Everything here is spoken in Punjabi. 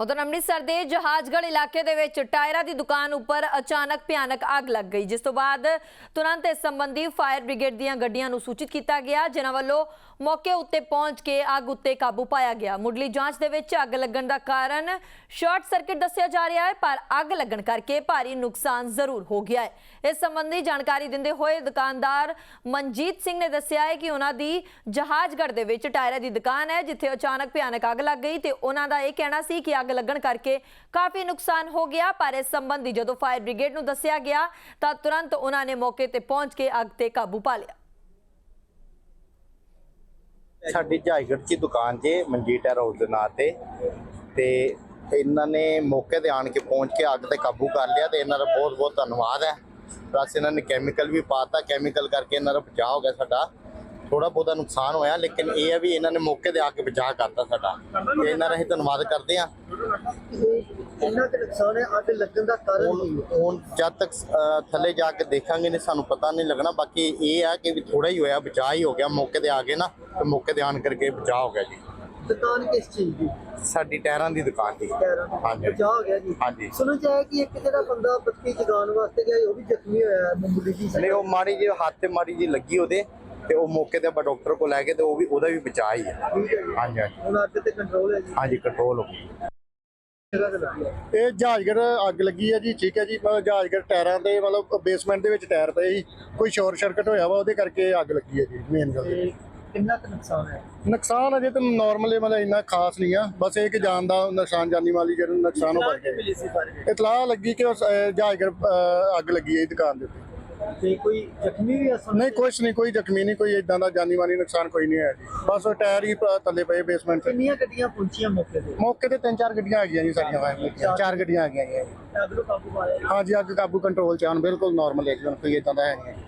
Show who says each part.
Speaker 1: ਉਧਰ ਅੰਮ੍ਰਿਤਸਰ ਦੇ ਜਹਾਜ਼ਗੜ੍ਹ ਇਲਾਕੇ ਦੇ ਵਿੱਚ ਟਾਇਰਾਂ ਦੀ ਦੁਕਾਨ ਉੱਪਰ ਅਚਾਨਕ ਭਿਆਨਕ ਅੱਗ ਲੱਗ ਗਈ, ਜਿਸ ਤੋਂ ਬਾਅਦ ਤੁਰੰਤ ਇਸ ਸੰਬੰਧੀ ਫਾਇਰ ਬ੍ਰਿਗੇਡ ਦੀਆਂ ਗੱਡੀਆਂ ਨੂੰ ਸੂਚਿਤ ਕੀਤਾ ਗਿਆ, ਜਿਨ੍ਹਾਂ ਵੱਲੋਂ ਮੌਕੇ ਉੱਤੇ ਪਹੁੰਚ ਕੇ ਅੱਗ ਉੱਤੇ ਕਾਬੂ ਪਾਇਆ ਗਿਆ। ਮੁੱਢਲੀ ਜਾਂਚ ਦੇ ਵਿੱਚ ਅੱਗ ਲੱਗਣ ਦਾ ਕਾਰਨ ਸ਼ਾਰਟ ਸਰਕਟ ਦੱਸਿਆ ਜਾ ਰਿਹਾ ਹੈ, ਪਰ ਅੱਗ ਲੱਗਣ ਕਰਕੇ ਭਾਰੀ ਨੁਕਸਾਨ ਜ਼ਰੂਰ ਹੋ ਗਿਆ ਹੈ। ਇਸ ਸੰਬੰਧੀ ਜਾਣਕਾਰੀ ਦਿੰਦੇ ਹੋਏ ਦੁਕਾਨਦਾਰ ਮਨਜੀਤ ਸਿੰਘ ਨੇ ਦੱਸਿਆ ਹੈ ਕਿ ਉਹਨਾਂ ਦੀ ਜਹਾਜ਼ਗੜ੍ਹ ਦੇ ਵਿੱਚ ਟਾਇਰਾਂ ਦੀ ਦੁਕਾਨ ਹੈ, ਜਿੱਥੇ ਅਚਾਨਕ ਭਿਆਨਕ ਅੱਗ ਲੱਗ ਗਈ ਤੇ ਉਹਨਾਂ ਦਾ ਇਹ ਕਹਿਣਾ ਸੀ ਕਿ ਅੱਗ ਲੱਗਣ ਕਰਕੇ ਕਾਫੀ ਨੁਕਸਾਨ ਹੋ ਗਿਆ। ਪਰ ਇਸ ਸੰਬੰਧੀ ਜਦੋਂ ਫਾਇਰ ਬ੍ਰਿਗੇਡ ਨੂੰ ਦੱਸਿਆ ਗਿਆ ਤਾਂ ਤੁਰੰਤ ਉਹਨਾਂ ਨੇ ਮੌਕੇ ਤੇ ਪਹੁੰਚ ਕੇ ਅੱਗ ਤੇ ਕਾਬੂ ਪਾ ਲਿਆ।
Speaker 2: ਸਾਡੀ ਜਹਾਜ਼ਗੜ੍ਹ ਦੀ ਦੁਕਾਨ 'ਚ ਮਨਜੀਤ ਹਾਊਸ ਦੇ ਨਾਂ ਤੇ ਇਹਨਾਂ ਨੇ ਮੌਕੇ ਤੇ ਆਣ ਕੇ ਪਹੁੰਚ ਕੇ ਅੱਗ ਤੇ ਕਾਬੂ ਕਰ ਲਿਆ ਤੇ ਇਹਨਾਂ ਦਾ ਬਹੁਤ ਬਹੁਤ ਧੰਨਵਾਦ ਹੈ। ਪਲੱਸ ਇਹਨਾਂ ਨੇ ਕੈਮੀਕਲ ਵੀ ਪਾਤਾ, ਕੈਮੀਕਲ ਕਰਕੇ ਇਹਨਾਂ ਦਾ ਬਚਾਅ ਹੋ ਗਿਆ। ਸਾਡਾ ਥੋੜਾ ਬਹੁਤਾ ਨੁਕਸਾਨ ਹੋਇਆ, ਲੇਕਿਨ ਇਹ ਹੈ ਵੀ ਇਹਨਾਂ ਨੇ ਮੌਕੇ ਤੇ ਆ ਕੇ ਬਚਾਅ ਕਰਤਾ ਸਾਡਾ, ਤੇ ਇਹਨਾਂ ਦਾ ਅਸੀਂ ਧੰਨਵਾਦ ਕਰਦੇ ਹਾਂ।
Speaker 3: ਇੰਨਾ ਕੁ ਨੁਕਸਾਨ ਹੈ, ਅੱਗ ਲੱਗਣ ਦਾ ਕਾਰਨ
Speaker 2: ਹੁਣ ਜਦ ਤੱਕ ਥੱਲੇ ਜਾ ਕੇ ਦੇਖਾਂਗੇ ਨਹੀਂ ਸਾਨੂੰ ਪਤਾ ਨਹੀਂ ਲੱਗਣਾ। ਬਾਕੀ ਇਹ ਹੈ ਕਿ ਵੀ ਥੋੜਾ ਹੀ ਹੋਇਆ, ਬਚਾਅ ਹੀ ਹੋ ਗਿਆ। ਮੌਕੇ ਤੇ ਆ ਗਏ ਨਾ, ਤੇ ਮੌਕੇ ਤੇ ਆਣ ਕਰਕੇ ਬਚਾਅ ਹੋ ਗਿਆ ਜੀ।
Speaker 3: ਦੁਕਾਨ ਕਿਸ ਚੀਜ਼ ਦੀ?
Speaker 2: ਸਾਡੀ ਟਾਇਰਾਂ ਦੀ ਦੁਕਾਨ ਦੀ। ਹਾਂਜੀ,
Speaker 3: ਬਚਾਅ ਹੋ ਗਿਆ ਜੀ।
Speaker 2: ਹਾਂਜੀ।
Speaker 3: ਸੁਣਨ ਚ ਆਇਆ ਕਿ ਇੱਕ ਜਿਹੜਾ ਬੰਦਾ ਬੱਤੀ ਜਗਾਉਣ ਵਾਸਤੇ ਗਿਆ, ਉਹ ਵੀ ਜ਼ਖਮੀ ਹੋਇਆ ਮਾਮੂਲੀ ਜੀ।
Speaker 2: ਨਹੀਂ, ਉਹ ਮਾੜੀ ਜਿਹੀ ਹੱਥ ਤੇ ਮਾੜੀ ਜਿਹੀ ਲੱਗੀ ਉਹਦੇ, ਤੇ ਉਹ ਮੌਕੇ ਤੇ ਆਪਾਂ ਡਾਕਟਰ ਕੋਲ ਲੈ ਗਏ ਤੇ ਉਹਦਾ ਵੀ ਬਚਾਅ ਹੀ ਹੈ।
Speaker 3: ਠੀਕ ਹੈ ਜੀ।
Speaker 2: ਹਾਂਜੀ ਹਾਂਜੀ
Speaker 3: ਹੁਣ ਅੱਗ ਤੇ ਕੰਟਰੋਲ ਹੈ ਜੀ।
Speaker 2: ਹਾਂਜੀ, ਕੰਟਰੋਲ ਹੋ ਗਈ।
Speaker 3: ਜਗ੍ਹਾ ਤੇ ਲੱਗੀ ਹੈ।
Speaker 4: ਇਹ ਜਹਾਜ਼ਗੜ੍ਹ ਅੱਗ ਲੱਗੀ ਹੈ ਜੀ। ਠੀਕ ਹੈ ਜੀ, ਜਹਾਜ਼ਗੜ੍ਹ ਟਾਇਰਾਂ ਤੇ ਮਤਲਬ ਬੇਸਮੈਂਟ ਦੇ ਵਿੱਚ ਟਾਇਰ ਪਏ ਸੀ, ਕੋਈ ਸ਼ਾਰਟ ਸਰਕਟ ਹੋਇਆ ਵਾ, ਉਹਦੇ ਕਰਕੇ ਅੱਗ ਲੱਗੀ ਹੈ ਜੀ। ਮੇਨ ਗੱਲ
Speaker 3: ਤੇ ਕਿੰਨਾ ਕੁ ਨੁਕਸਾਨ ਹੈ?
Speaker 4: ਨੁਕਸਾਨ ਅਜੇ ਤਾਂ ਨਾਰਮਲ ਮਤਲਬ ਇੰਨਾ ਖਾਸ ਨਹੀਂ ਆ, ਬਸ ਇਹ ਕਿ ਜਾਨ ਦਾ ਨੁਕਸਾਨ, ਜਾਨੀ ਮਾਲੀ ਜਿਹੜਾ ਨੁਕਸਾਨ ਹੋ ਗਿਆ।
Speaker 3: ਮਿਲੀ ਸੀ ਫਾਇਰ
Speaker 4: ਇਤਲਾਹ ਲੱਗੀ ਕਿ ਜਹਾਜ਼ਗੜ੍ਹ ਅੱਗ ਲੱਗੀ ਹੈ ਦੁਕਾਨ ਦੇ ਉੱਤੇ।
Speaker 3: ਤੇ ਕੋਈ ਜ਼ਖਮੀ ਵੀ ਅਸਲ
Speaker 4: ਨਹੀਂ, ਕੁਛ ਨਹੀਂ, ਕੋਈ ਜ਼ਖਮੀ ਨਹੀਂ, ਕੋਈ ਇਦਾਂ ਦਾ ਜਾਨੀ ਮਾਲੀ ਨੁਕਸਾਨ ਕੋਈ ਨਹੀਂ ਹੋਇਆ ਜੀ। ਬਸ ਉਹ ਟਾਇਰ ਹੀ ਥੱਲੇ ਪਏ ਬੇਸਮੈਂਟ 'ਚ।
Speaker 3: ਕਿੰਨੀਆਂ ਗੱਡੀਆਂ ਪਹੁੰਚੀਆਂ ਮੌਕੇ ਤੇ?
Speaker 4: ਮੌਕੇ ਤੇ 3-4 ਗੱਡੀਆਂ ਆ ਗਈਆਂ ਜੀ ਸਾਡੀਆਂ ਫਾਇਰ ਦੀਆਂ। 4 ਗੱਡੀਆਂ ਆ ਗਈਆਂ ਜੀ।
Speaker 3: ਅੱਗ ਨੂੰ ਕਾਬੂ ਪਾਇਆ?
Speaker 4: ਹਾਂਜੀ, ਅੱਗ ਕਾਬੂ ਕੰਟਰੋਲ 'ਚ ਆਉਣ ਬਿਲਕੁਲ ਨਾਰਮਲ, ਇੱਕਦਮ ਕੋਈ ਇਦਾਂ ਦਾ ਹੈ ਨਹੀਂ।